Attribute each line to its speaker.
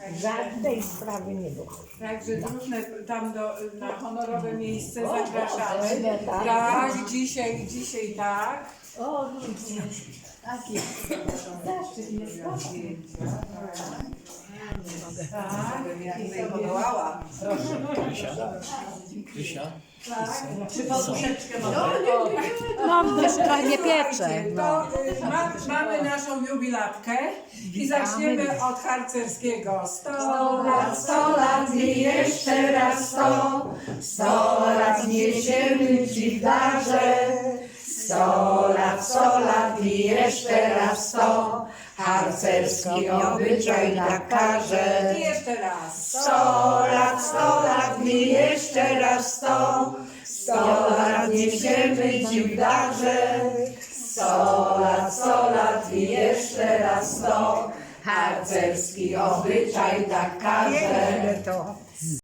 Speaker 1: Żadnej sprawy nie było.
Speaker 2: Także różne tam na honorowe miejsce zapraszamy.
Speaker 1: tak.
Speaker 2: Tak, dzisiaj tak.
Speaker 1: O, ludzie, taki zaszczyt jest taki.
Speaker 2: Tak.
Speaker 3: Krysia?
Speaker 2: Czy poduszeczkę
Speaker 4: No, trochę nie piecze.
Speaker 2: To mamy naszą jubilatkę i zaczniemy od harcerskiego. 100 lat i jeszcze raz 100 lat niesiemy Ci w darze. 100 lat i jeszcze raz 100, harcerski obyczaj tak każe. I jeszcze raz. 100 lat i jeszcze raz 100 lat niesiemy Ci w darze. 100 lat i jeszcze raz 100, harcerski obyczaj tak każe.
Speaker 1: To